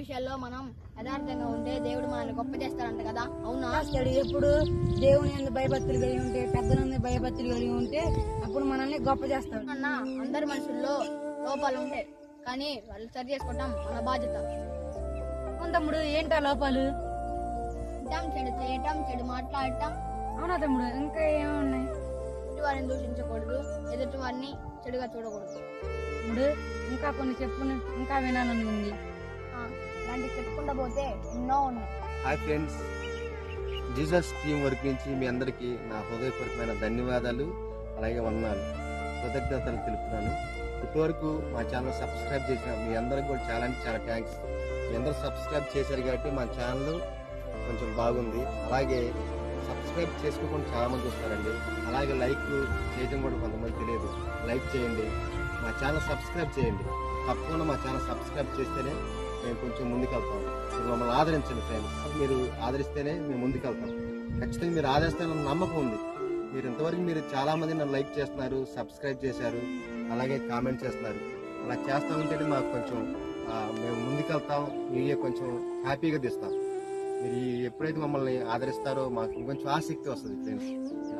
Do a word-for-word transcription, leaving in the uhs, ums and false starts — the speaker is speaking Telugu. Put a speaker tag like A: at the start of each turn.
A: విషయాల్లో మనం యథార్థంగా ఉంటే దేవుడు మనల్ని గొప్ప చేస్తాడంట కదా, అవునా?
B: చేస్తాడు. ఎప్పుడు దేవుని యందు భయభక్తులు కలిగి ఉంటే, పెద్దలందు భయభక్తులు కలిగి ఉంటే అప్పుడు మనల్ని గొప్ప చేస్తాడు.
A: అన్న అందరి మనుషుల్లో లోపాలు ఉంటాయి, కానీ వాళ్ళు సరి చేసుకోవటం మన బాధ్యత.
B: అవును తమ్ముడు, ఏంటా లోపాలు?
A: తింటాం, చెడు చేయటం, చెడు మాట్లాడటం,
B: అవునా తమ్ముడు, ఇంకా ఏమున్నాయి?
A: ఎదుటి వారిని దూషించకూడదు, ఎదుటి వారిని చెడుగా చూడకూడదు.
B: తమ్ముడు ఇంకా కొన్ని చెప్పు, ఇంకా వినాలని ఉంది.
A: ఆ, ఇలాంటి చెప్పుకుంటూ పోతే ఎన్నో ఉన్నాయి.
C: Hi friends, Jesus team work నుంచి మీ అందరికీ నా హృదయపూర్వకమైన ధన్యవాదాలు, అలాగే వందనాలు, కృతజ్ఞతలు తెలుపుతున్నాను. ఇప్పటివరకు మా ఛానల్ సబ్స్క్రైబ్ చేసిన మీ అందరికి కూడా చాలా అంటే చాలా థ్యాంక్స్. మీ అందరూ సబ్స్క్రైబ్ చేశారు కాబట్టి మా ఛానల్ కొంచెం బాగుంది. అలాగే సబ్స్క్రైబ్ చేసుకోకుండా చాలా మంది చూస్తారండి. అలాగే లైక్ చేయడం కూడా కొంతమంది తెలియదు. లైక్ చేయండి, మా ఛానల్ సబ్స్క్రైబ్ చేయండి. తప్పకుండా మా ఛానల్ సబ్స్క్రైబ్ చేస్తేనే మేము కొంచెం ముందుకెళ్తాం. మీరు మమ్మల్ని ఆదరించండి ఫ్రెండ్స్. మీరు ఆదరిస్తేనే మేము ముందుకెళ్తాం. ఖచ్చితంగా మీరు ఆదరిస్తారన్న నమ్మకం ఉంది. మీరు ఇంతవరకు మీరు చాలా మంది నన్ను లైక్ చేస్తున్నారు, సబ్స్క్రైబ్ చేశారు, అలాగే కామెంట్ చేస్తున్నారు. అలా చేస్తా ఉంటేనే మాకు కొంచెం మేము ముందుకెళ్తాం, మీరే కొంచెం హ్యాపీగా తీస్తాం. మీరు ఎప్పుడైతే మమ్మల్ని ఆదరిస్తారో మాకు ఇంకొంచెం ఆసక్తి వస్తుంది ఫ్రెండ్స్.